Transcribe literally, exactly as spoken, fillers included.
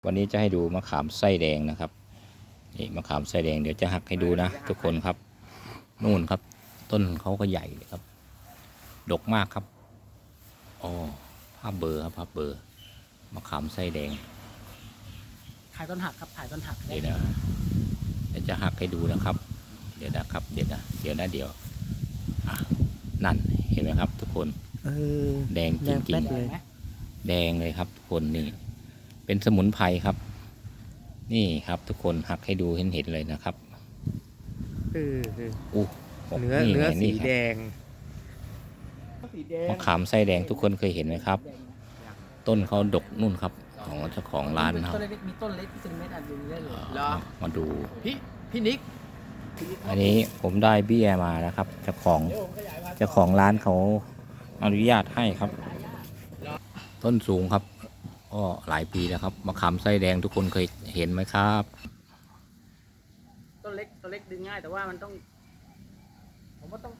วันนี้จะให้ดูมะขามไส้แดงนะครับนี่มะขามไส้แดงเดี๋ยวจะหักให้ดูนะทุกคนครับนู่นครับ ต้นเขาก็ใหญ่เลยครับ ดกมากครับอ๋อภาพเบอร์ครับภาพเบอร์มะขามไส้แดงถ่ายต้นหักครับถ่ายต้นหักเดี๋ยวนะเดี๋ยวจะหักให้ดูนะครับ เดี๋ยวนะครับเดี๋ยวนะเดี๋ยวนะเดี๋ยวอ่ะนั่นเห็นไหมครับ ทุกคนเออแดงจแดงริแป๊งดเลยๆแดงเลยครับ ทุกคนนี่ เป็นสมุนไพรครับ นี่ครับ ทุกคนหักให้ดูเห็นเห็นเลยนะครับเออเอออู้เนื้อไงเนื้อสีครับแดงมะขามไส้แดงทุกคนเคยเห็นไหมครับ ต้นเขาดกนู่นครับ ของเจ้าของร้านนะครับต้นเล็กมีต้นเล็กเป็นเม็ดอันนี้ได้เลยเหรอมาดูพี่พี่นิกอันนี้ผมได้เบี้ยมานะครับเจ้าของเจ้าของร้านเขาอนุญาตให้ครับ ต้นสูงครับก็หลายปีแล้วครับมะขามไส้แดงทุกคนเคยเห็นไหมครับต้นเล็กต้นเล็กดึงง่ายแต่ว่ามันต้องผมว่าต้อง